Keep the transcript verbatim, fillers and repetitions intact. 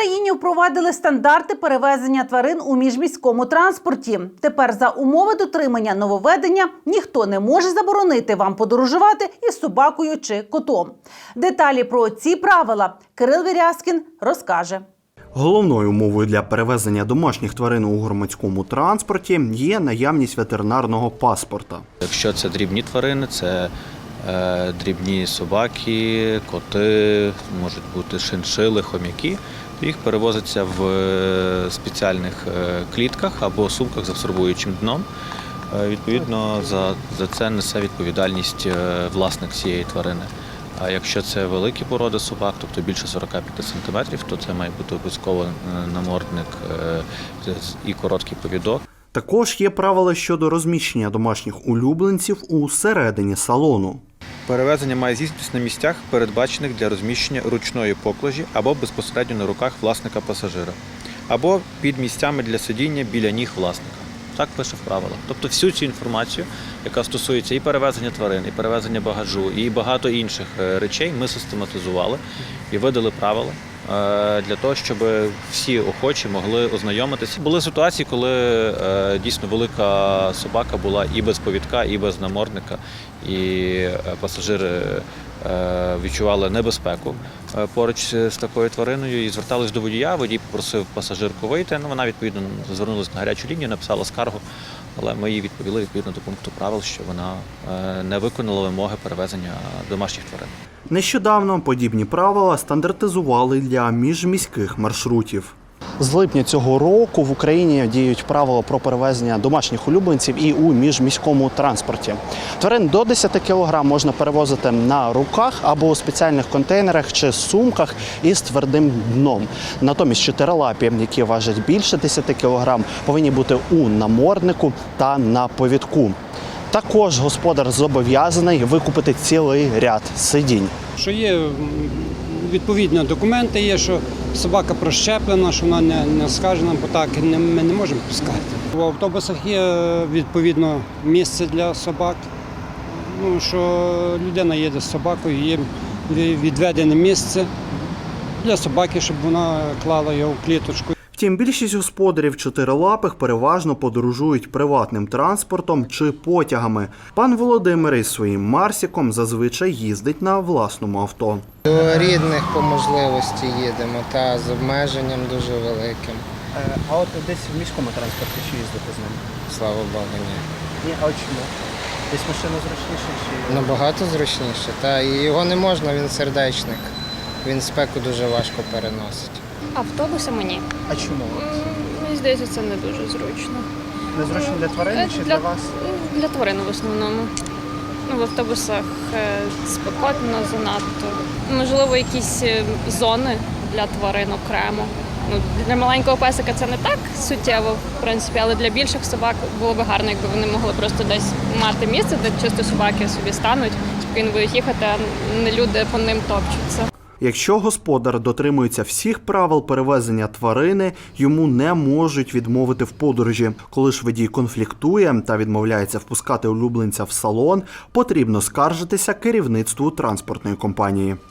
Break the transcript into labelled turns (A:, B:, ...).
A: Україні впровадили стандарти перевезення тварин у міжміському транспорті. Тепер за умови дотримання нововведення ніхто не може заборонити вам подорожувати із собакою чи котом. Деталі про ці правила Кирил Вірязкін розкаже.
B: Головною умовою для перевезення домашніх тварин у громадському транспорті є наявність ветеринарного паспорта.
C: Якщо це дрібні тварини, це е, дрібні собаки, коти, можуть бути шиншили, хом'яки, то їх перевозиться в спеціальних клітках або сумках з абсорбуючим дном. Е, відповідно, за, за це несе відповідальність власник цієї тварини. А якщо це великі породи собак, тобто більше сорок п'ять сантиметрів, то це має бути обов'язково намордник і короткий повідок.
B: Також є правила щодо розміщення домашніх улюбленців у середині салону.
C: Перевезення має здійснитися на місцях, передбачених для розміщення ручної поклажі або безпосередньо на руках власника пасажира, або під місцями для сидіння біля ніг власника. Так пише в правилах. Тобто всю цю інформацію, яка стосується і перевезення тварин, і перевезення багажу, і багато інших речей, ми систематизували і видали правила для того, щоб всі охочі могли ознайомитися. Були ситуації, коли дійсно велика собака була і без повідка, і без намордника, і пасажири відчували небезпеку поруч з такою твариною і звертались до водія. Водій попросив пасажирку вийти. Ну, вона, відповідно, звернулася на гарячу лінію, написала скаргу, але ми їй відповіли відповідно до пункту правил, що вона не виконала вимоги перевезення домашніх тварин.
B: Нещодавно подібні правила стандартизували для міжміських маршрутів.
D: З липня цього року в Україні діють правила про перевезення домашніх улюбленців і у міжміському транспорті. Тварин до десяти кілограм можна перевозити на руках або у спеціальних контейнерах чи сумках із твердим дном. Натомість чотирилапі, які важать більше десяти кілограм, повинні бути у наморднику та на повідку. Також господар зобов'язаний викупити цілий ряд сидінь.
E: Що є відповідні документи, є, що собака прощеплена, що вона не, не скажена, бо так не, ми не можемо пускати. В автобусах є відповідно місце для собак. Ну, що людина їде з собакою, є відведене місце для собаки, щоб вона клала його в кліточку.
B: Втім, більшість господарів чотирилапих переважно подорожують приватним транспортом чи потягами. Пан Володимир із своїм Марсіком зазвичай їздить на власному авто.
F: До рідних по можливості їдемо, та з обмеженням дуже великим.
D: А от десь в міському транспорті чи їздити з ним?
F: Слава Богу, ні.
D: Ні, а чому? Десь машина зручніша? Чи...
F: Набагато зручніше, та і його не можна, він сердечник. Він спеку дуже важко переносить.
G: Автобусами ні.
D: А чому?
G: Мені здається, це не дуже зручно.
D: Незручно для тварин чи для, для вас?
G: Для тварин в основному. Ну, в автобусах спекотно занадто. Можливо, якісь зони для тварин окремо. Ну, для маленького песика це не так суттєво, в принципі, але для більших собак було б гарно, якби вони могли просто десь мати місце, де чисто собаки собі стануть, спокійно будуть їхати, а не люди по ним топчуться.
B: Якщо господар дотримується всіх правил перевезення тварини, йому не можуть відмовити в подорожі. Коли ж водій конфліктує та відмовляється впускати улюбленця в салон, потрібно скаржитися керівництву транспортної компанії.